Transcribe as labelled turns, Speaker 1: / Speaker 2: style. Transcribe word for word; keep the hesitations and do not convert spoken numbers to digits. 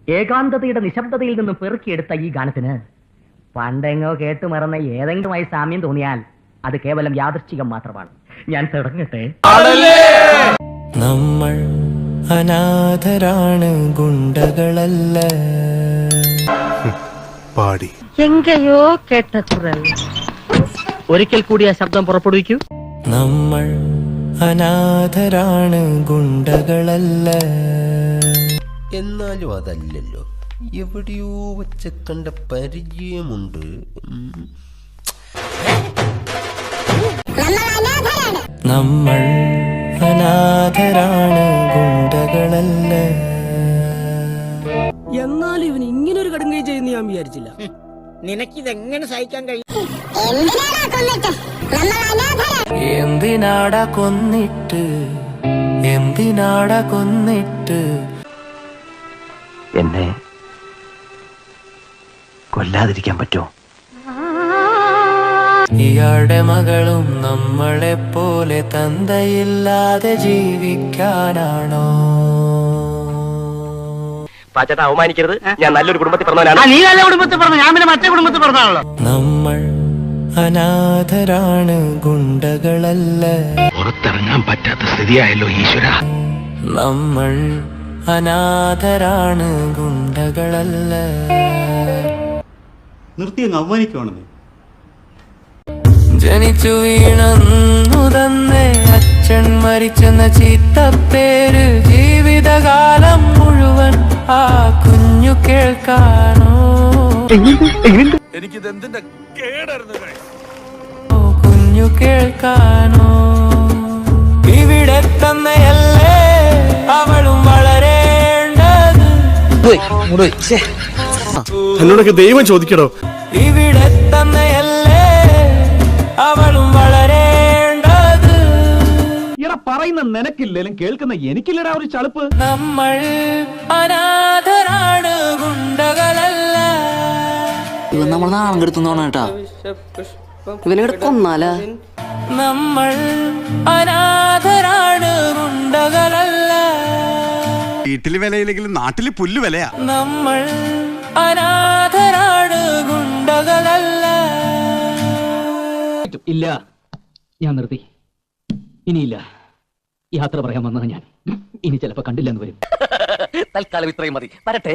Speaker 1: ഏകാന്തതയുടെ നിശബ്ദതയിൽ നിന്നും പെറുക്കിയെടുത്ത ഈ ഗാനത്തിന് പണ്ടെങ്ങോ കേട്ടു മറന്ന ഏതെങ്കിലുമായി സാമ്യം തോന്നിയാൽ അത് കേവലം യാദൃശ്ചികം മാത്രമാണ്. ഞാൻ തുടങ്ങട്ടെ.
Speaker 2: നമ്മൾ അനാഥരാണ്, ഗുണ്ടകളല്ല.
Speaker 3: പാടി
Speaker 1: എങ്കയോ കേട്ട കുറൽ ഒരിക്കൽ കൂടി ആ ശബ്ദം പുറപ്പെടുവിക്കൂ.
Speaker 2: നമ്മൾ അനാഥരാണ്, ഗുണ്ടകളല്ല.
Speaker 4: എന്നാലും അതല്ലല്ലോ, എവിടെയോ വെച്ച കണ്ട പരിചയമുണ്ട്.
Speaker 2: നമ്മൾ അനാഥരാണ്, ഗുണ്ടകളല്ല.
Speaker 5: എന്നാലും ഇവൻ ഇങ്ങനൊരു കടുങ്കൈ ചെയ്യുന്ന ഞാൻ വിചാരിച്ചില്ല.
Speaker 6: നിനക്കിതെങ്ങനെ സഹിക്കാൻ കഴിയും?
Speaker 2: എന്തിനാടാ കൊന്നിട്ട്, എന്തിനാടാ കൊന്നിട്ട്
Speaker 7: എന്നെ കൊല്ലാതിരിക്കാൻ പറ്റുമോ?
Speaker 2: ഇയാളുടെ മകളും നമ്മളെ പോലെ തന്തയില്ലാതെ ജീവിക്കാനാണോ?
Speaker 7: പാച്ചേട്ടാ, അവമാനിക്കരുത്. ഞാൻ നല്ലൊരു കുടുംബത്തിൽ പറഞ്ഞവനാണ്.
Speaker 1: നീ നല്ല കുടുംബത്തിൽ പറഞ്ഞു, ഞാൻ പിന്നെ മറ്റേ കുടുംബത്തിൽ പറഞ്ഞാണല്ലോ.
Speaker 2: നമ്മൾ അനാഥരാണ്, ഗുണ്ടകളല്ല.
Speaker 7: പുറത്തിറങ്ങാൻ പറ്റാത്ത സ്ഥിതിയായല്ലോ ഈശ്വര.
Speaker 2: നമ്മൾ അനാഥരാണ്, ഗുണ്ടകളല്ല.
Speaker 3: നിർത്തി അങ്ങ് അവമാനിക്കുവാണെന്ന്.
Speaker 2: ജനിച്ചു വീണന്നു തന്നെ അച്ഛൻ മരിച്ചെന്ന ചീത്തപ്പേര് ജീവിതകാലം മുഴുവൻ ആ കുഞ്ഞു കേൾക്കാനോ?
Speaker 3: എനിക്കിതെന്തിന്റെ കേടായിരുന്നു.
Speaker 2: ഓ കുഞ്ഞു കേൾക്കാനോ? ഇവിടെ തന്നെയല്ലേ അവളും വളരേണ്ടത്.
Speaker 3: എന്നോടൊക്കെ ദൈവം ചോദിക്കടോ.
Speaker 2: ഇവിടെ തന്നെയല്ലേ അവളും വളരേണ്ടത്.
Speaker 8: ഇട പറയുന്ന നിനക്കില്ലേലും കേൾക്കുന്ന എനിക്കില്ലടാ ഒരു ചളുപ്പ്.
Speaker 2: നമ്മൾ അനാഥരാണ്, ഗുണ്ടകളല്ല.
Speaker 5: ഇവൻ നമ്മൾ നാളം കെടുത്തുന്നോണ കേട്ടാ. ഇവനെ കൊന്നാല.
Speaker 2: നമ്മൾ അനാഥരാണ്, ഗുണ്ടകളല്ല.
Speaker 3: വീട്ടില് വിലയില്ലെങ്കിലും നാട്ടില് പുല്ല് വിലയാ.
Speaker 2: നമ്മൾ അനാഥരാണ്, ഗുണ്ടകളല്ല.
Speaker 8: ഇല്ല, ഞാൻ നിർത്തി. ഇനിയില്ല. യാത്ര പറയാൻ വന്നത് ഞാൻ. ഇനി ചിലപ്പോ കണ്ടില്ലെന്ന് വരും.
Speaker 7: തൽക്കാലം ഇത്രയും മതി. വരട്ടെ.